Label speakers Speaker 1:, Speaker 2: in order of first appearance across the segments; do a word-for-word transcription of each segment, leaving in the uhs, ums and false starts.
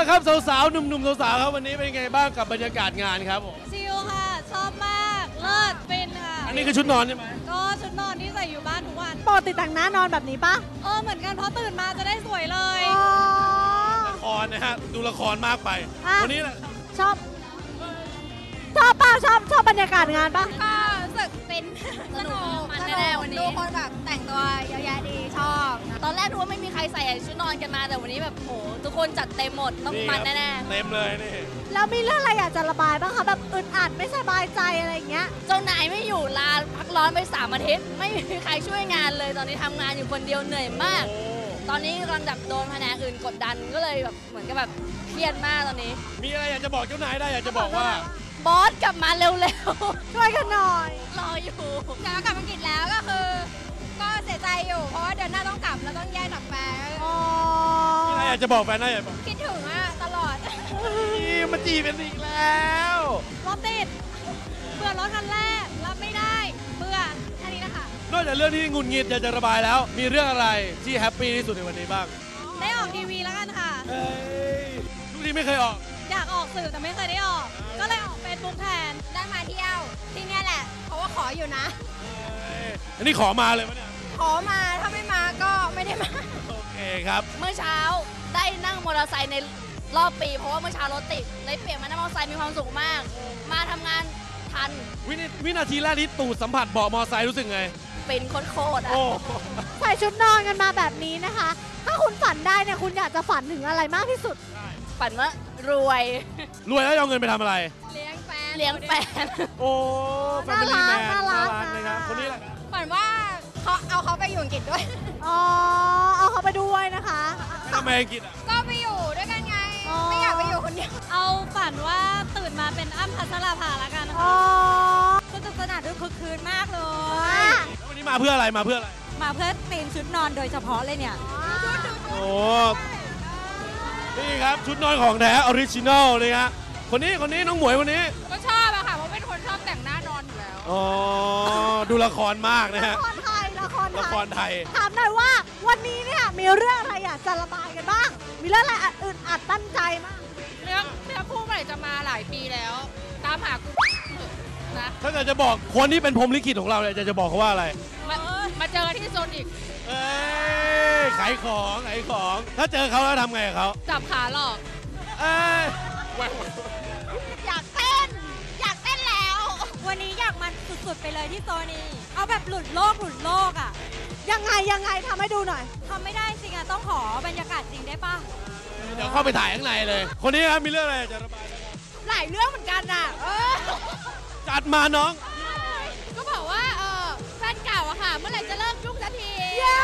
Speaker 1: ละครับสาวๆหนุ่มๆสาวๆครับวันนี้เป็นไงบ้างกับบรรยากาศงานครับผม
Speaker 2: ชิลค่ะชอบมากเลิศเป็นค่ะ
Speaker 1: อันนี้คือชุดนอนใช่ไหม
Speaker 2: ก็ชุดนอนที่ใส่อยู่บ้านทุกวัน
Speaker 3: ปกติแต่งหน้านอนแบบนี้ปะ
Speaker 2: เออเหมือนกันเพราะตื่นมาจะได้สวยเลย
Speaker 1: ละครนะฮะดูละครมากไปวันนี้แหละ
Speaker 3: ชอบชอบป่ะชอบชอบบรรยากาศงานป่ะ
Speaker 2: ก็รู้สึกเป็นสนุกมันแน่ๆวันนี้ดูคนแบบแต่งตัวเยอะแยะดีชอบตอนแรกดูว่าไม่มีใครใส่ชุดนอนกันมาแต่วันนี้แบบโหทุกคนจัดเต็มหมดต้องมันแน่
Speaker 1: ๆเต็มเลยนี่
Speaker 3: แล้วมีเรื่องอะไรอยากจะระบายบ้างคะแบบอึดอัดไม่สบายใจอะไรอย่างเงี้ย
Speaker 2: เจ้านายไม่อยู่ลาพักร้อนไปสามอาทิตย์ไม่มีใครช่วยงานเลยตอนนี้ทำงานอยู่คนเดียวเหนื่อยมากตอนนี้กำลังแบบโดนแผนกอื่นกดดันก็เลยแบบเหมือนกับแบบเครียดมากตอนนี้
Speaker 1: มีอะไรอยากจะบอกเจ้านายได้อยากจะบอกว่า
Speaker 2: บอสกลับมาเร็ว
Speaker 3: ๆช่วยกันหน่อย
Speaker 2: รออยู่แต่ว่ากลับอังกฤษแล้วก็คือก็เสียใจอยู่เพราะว่าเดือนหน้าต้องกลับแล้วต้องแยกกับแฟน
Speaker 3: อ๋อ
Speaker 1: มีอะไรอยากจะบอกแฟนได้อยากบอก
Speaker 2: คิดถึงอะตลอด
Speaker 1: มาจีบเป็นอีกแล้ว
Speaker 2: รถติดเบื่อรถคันแรกรับไม่ได้เบื่อแค่นี้นะคะ
Speaker 1: นอกจากเรื่องที่งุนงิดอยากจะระบายแล้วมีเรื่องอะไรที่แฮปปี้ที่สุดในวันนี้บ้าง
Speaker 2: ได้ออกทีวีแล้วกันค่ะ
Speaker 1: เฮ้ยทุกทีไม่เคยออก
Speaker 2: อยากออกสื่อแต่ไม่เคยได้ออกก็เลยออกเฟซบุ๊กแทนได้มาเที่ยวที่นี่แหละเพราะว่าขออยู่นะ
Speaker 1: อันนี้ขอมาเลยมั้ยเนี่ย
Speaker 2: ขอมาถ้าไม่มาก็ไม่ได้มา
Speaker 1: โอเคครับ
Speaker 2: เมื่อเช้าได้นั่งมอเตอร์ไซค์ในรอบปีเพราะว่าเมื่อเช้ารถติดเลยเปลี่ยนมานั่งมอเตอร์ไซค์มีความสุขมากมาทำงานทัน
Speaker 1: วินาทีแรกที่ตูดสัมผัสเบาะมอเตอร์ไซค์รู้สึกไง
Speaker 2: เป็นโคตรๆอ่ะ
Speaker 3: ใส่ชุดนอนกันมาแบบนี้นะคะถ้าคุณฝันได้เนี่ยคุณอยากจะฝันถึงอะไรมากที่สุด
Speaker 2: ฝันว่ารวย
Speaker 1: รวยแล้วเอาเงินไปทำอะไร
Speaker 2: เลี้ยงแฟนเลี้ยงแฟน
Speaker 1: โอ้แฟมิลี่แมน
Speaker 3: น่ารัก
Speaker 1: นะครับคนนี้แหละ
Speaker 2: ฝันว่าเขาเอาเขาไปอยู่อังกฤษด้วย
Speaker 3: อ๋อเอาเขาไปด้วยนะคะ
Speaker 1: ทำไมอังกฤษอ่ะ
Speaker 2: ก็ไปอยู่ด้วยกันไงไม่อยากไปอยู่คนเดียวเอาฝันว่าตื่นมาเป็นอ้ำพัชราภาละกันนะคะสนุกสนานด้วยคึกคืนมากเลย
Speaker 1: วันนี้มาเพื่ออะไรมาเพื่ออะไร
Speaker 2: มาเพื่อตีมชุดนอนโดยเฉพาะเลยเนี่ย
Speaker 1: โอ้นี่ครับชุดนอนของแท้ออริจินอลเลยฮะคนนี้คนนี้น้องหมวยคนนี้
Speaker 2: ก็ชอบอะค่ะเพราะเป็นคนชอบแต่งหน้านอนอยู่แล้ว
Speaker 1: อ๋อดูละครมากนะฮะ
Speaker 3: ละครไทยละคร
Speaker 1: ละครไทย
Speaker 3: ถามหน่อยว่าวันนี้เนี่ยมีเรื่องอะไรอยากจะระบายกันบ้างมีเรื่องอะไรอึดอัดตั้งใจมาก
Speaker 2: เรื่องเรื่องคู่เมื่อไหร่จะมาหลายปีแล้วตามหากู
Speaker 1: นะถ้าเกิดจะบอกคนที่เป็นพรหมลิขิตของเราเนี่ยจะจะบอกเขาว่าอะไร
Speaker 2: มามาเจอที่โซนอีก
Speaker 1: เอ้ยขายของขายของถ้าเจอเขาแล้วทำไงกับเขา
Speaker 2: จับขาหลอก
Speaker 1: เอ้ย
Speaker 2: อยากเต้นอยากเต้นแล้ววันนี้อยากมันสุดๆไปเลยที่โซนี้เอาแบบหลุดโลกหลุดโลกอ่ะ
Speaker 3: ยังไงยังไงทำให้ดูหน่อย
Speaker 2: ทำไม่ได้จริงอ่ะต้องขอบรรยากาศจริงได้ปะ
Speaker 1: เดี๋ยวเข้าไปถ่ายข้างในเลยคนนี้ครับมีเรื่องอะไรจะระบาย
Speaker 2: หลายเรื่องเหมือนกันอ่ะ
Speaker 1: จัดมาน้อง
Speaker 2: ก็บอกว่าเออแฟนเก่าอะค่ะเมื่อไหร่จะเลิกยุ่งสักที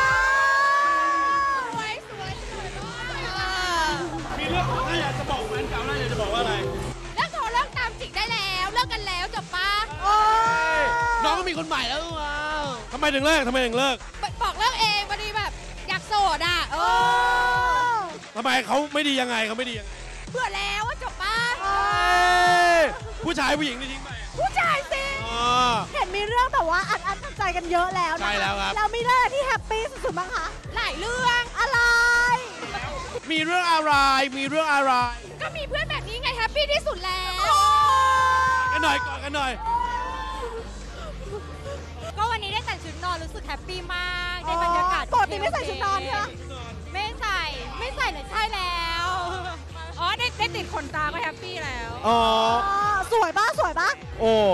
Speaker 2: สวยสวยสวยมาก
Speaker 1: มีเรื่องถ้าอยากจะบอกแฟนเก่าน่าอยากจะบอกว่าอะไร
Speaker 2: เลิกโทรเลิกตามจิกได้แล้วเลิกกันแล้วจบปะ
Speaker 1: น้องก็มีคนใหม่แล้วว้าวทำไมถึงเลิกทำไมถึงเลิก
Speaker 2: บอกเลิกเองพอดีแบบอยากโสดอ่ะ
Speaker 1: ทำไมเขาไม่ดียังไงเขาไม่ดียังไง
Speaker 2: เบื่อแล้วจบปะ
Speaker 1: ผู้ชายผู้หญิงนี่ทิ้งไป
Speaker 2: ผู้ชายสิ
Speaker 3: เห็นมีเรื่องแบบว่าอัดอั้นตันใจกันเยอะแล้วนะ
Speaker 1: ใช่แล้วครับ
Speaker 3: เรามีเรื่องที่แฮปปี้สุดๆบ้างคะ
Speaker 2: หลายเรื่อง
Speaker 3: อะไร
Speaker 1: มีเรื่องอะไรมีเรื่องอะไร
Speaker 2: ก็มีเพื่อนแบบนี้ไงแฮปปี้ที่สุดแล้ว
Speaker 1: กันหน่อยก่อนกันหน่อย
Speaker 2: ก็วันนี้ได้แต่งชุดนอนรู้สึกแฮปปี้มากได้บรรยากาศ
Speaker 3: ปกติไม่ใส่ชุดนอนใช่ไหม
Speaker 2: ไม่ใส่ไม่ใส่เนี่ยใช่แล้วอ๋อได้ได้ติดขนตาก็แฮปปี้แล้ว
Speaker 1: อ๋อ
Speaker 3: สวยป่ะสวยป่ะ
Speaker 1: โอ้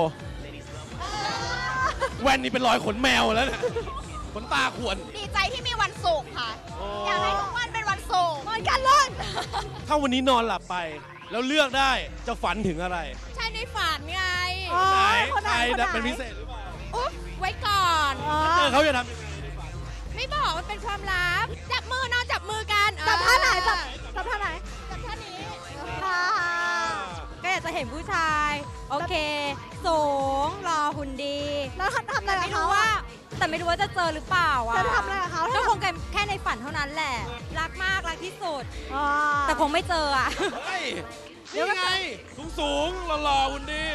Speaker 1: แว่นนี่เป็นรอยขนแมวแล้วเนี่ยขนตาขวน
Speaker 2: ดีใจที่มีวันศุกร์ค่ะอยากให้ทุกวันเป็นวันศุกร์
Speaker 3: เหมือนกันเลย
Speaker 1: ถ้าวันนี้นอนหลับไปแล้วเลือกได้จะฝันถึงอะไร
Speaker 2: ใช่ในฝันไง
Speaker 1: ไหนใครเป็นพิเศษหรือเปล่า
Speaker 2: อุ๊บไว้ก่อน
Speaker 1: เจอเขาจะทำยังไง
Speaker 2: ไม่บอกมันเป็นความลับจับมือนอนจับมือกัน
Speaker 3: จับท่าไหนจับจับท่าไหน
Speaker 2: จับท่านี้
Speaker 3: ค่ะ
Speaker 2: ก็อยากจะเห็นผู้ชายโอเคสูงรอหุ่นดี
Speaker 3: แล้วทำอะไรกับเขา
Speaker 2: ว่าแต่ไม่รู้ว่าจะเจอหรือเปล่าอ่ะ
Speaker 3: จะทำอะไรกับเขา
Speaker 2: ก็คงแค่ในฝันเท่านั้นแหละรักมากรักที่สุดแต่คงไม่เจออ่ะ
Speaker 1: เดี๋ยวไงสูงสูงหล่อๆหุ่นดี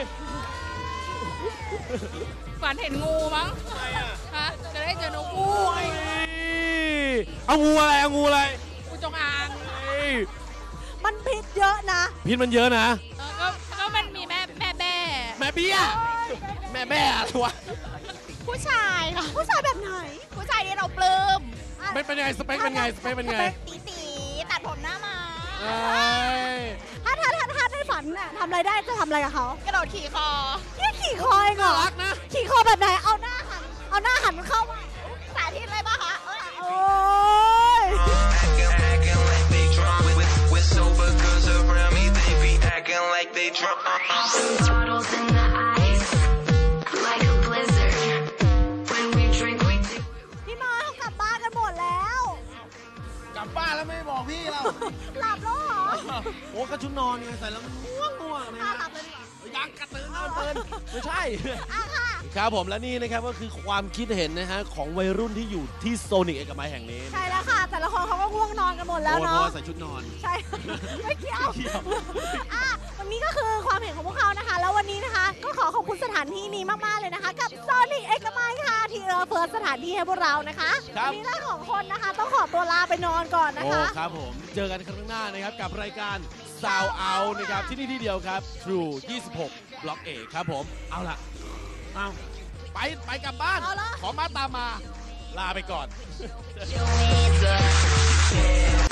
Speaker 2: ฝันเห็นงูมั้งฮะจะได้เจอนกงู
Speaker 1: เอางูอะไรเอางูอะไร
Speaker 2: งูจงอาง
Speaker 3: มันผิดเยอะนะ
Speaker 1: พิษมันเยอะนะ
Speaker 2: ก็ก็มันมีแม่แม่แม่
Speaker 1: แม่เบี้ยแม่แม่อะไรวะ
Speaker 2: ผู้ชายค่ะ
Speaker 3: ผู้ชายแบบไหน
Speaker 2: ผู้ชายที่เราปลื้ม
Speaker 1: เป็นเป็นยังไงสเปคเป็นไงสเปคเป็นไง
Speaker 2: ตีตีตัดผมหน้ามา
Speaker 1: เอ้ย
Speaker 3: ถ้าถ้าถ้าถ้าในฝันน่ะทำอะไรได้จะทำอะไรกับเขา
Speaker 2: กระโดดขี่คอ
Speaker 3: แค่ขี่คอเองเหร
Speaker 1: น่า
Speaker 3: อ
Speaker 1: รักนะ
Speaker 3: ขี่คอแบบไหนเอาหน้าหันเอาหน้าหันเข้ามา
Speaker 2: สาธิตเลยป่ะคะเออ
Speaker 3: โอ้ย
Speaker 4: Acting, acting like they drunk with, with, with sober girls around me. They be acting like they drunk.
Speaker 5: Bottles in the ice, like a blizzard. When we drink, we do.
Speaker 3: พี่น้อยเขากลับบ้านกันหมดแล้ว
Speaker 1: กลับบ้านแล้วไม่บอกพี่เรา
Speaker 3: หลับแล้วเหรอ
Speaker 1: โอ้ก็ชุดนอนไงใส่แล้วง่วงง่วงนะ
Speaker 3: อ่ะ
Speaker 1: ฮะ
Speaker 3: หลับเลยดีกว่า
Speaker 1: ยังกระตือรือร้นไม่ใช่
Speaker 3: อ่ะค่ะ
Speaker 1: ครับผมและนี่นะครับก็คือความคิดเห็นนะฮะของวัยรุ่นที่อยู่ที่โซนิกเอกมัยแห่งนี้
Speaker 3: ใช่แล้วค่ะ แต่ละคนเขาก็ง่วงนอนกันหมดแล้ว
Speaker 1: โอ้เพ
Speaker 3: เนาะ
Speaker 1: ราะว่าใส่ชุดนอน
Speaker 3: ใช่ ไม่เกี่ยว
Speaker 1: ไม่เกี่ยว
Speaker 3: อ่ะวันนี้ก็คือความเห็นของพวกเขานะคะ แล้ววันนี้นะคะ ก็ขอขอบคุณสถานที่นี้มาก ๆ เลยนะคะ กับโซนิกเอกมัยค่ะ ที่เออเฟิร์สสถานที่ให้พวกเรานะคะ
Speaker 1: ครับ
Speaker 3: วันนี้เราของคนนะคะ ต้องขอตัวลาไปนอนก่อนนะ
Speaker 1: โอ้
Speaker 3: คะ
Speaker 1: ครับผม เจอกันครั้งหน้านะครับกับรายการ Sound Out นะครับที่นี่ที่เดียวครับ True ยี่สิบหก บล็อกเอครับผม เอาล่ะเอาไปไปกลับบ้าน
Speaker 3: เอาละ
Speaker 1: ขอมาตามมา ลาไปก่อน
Speaker 5: Your hands up.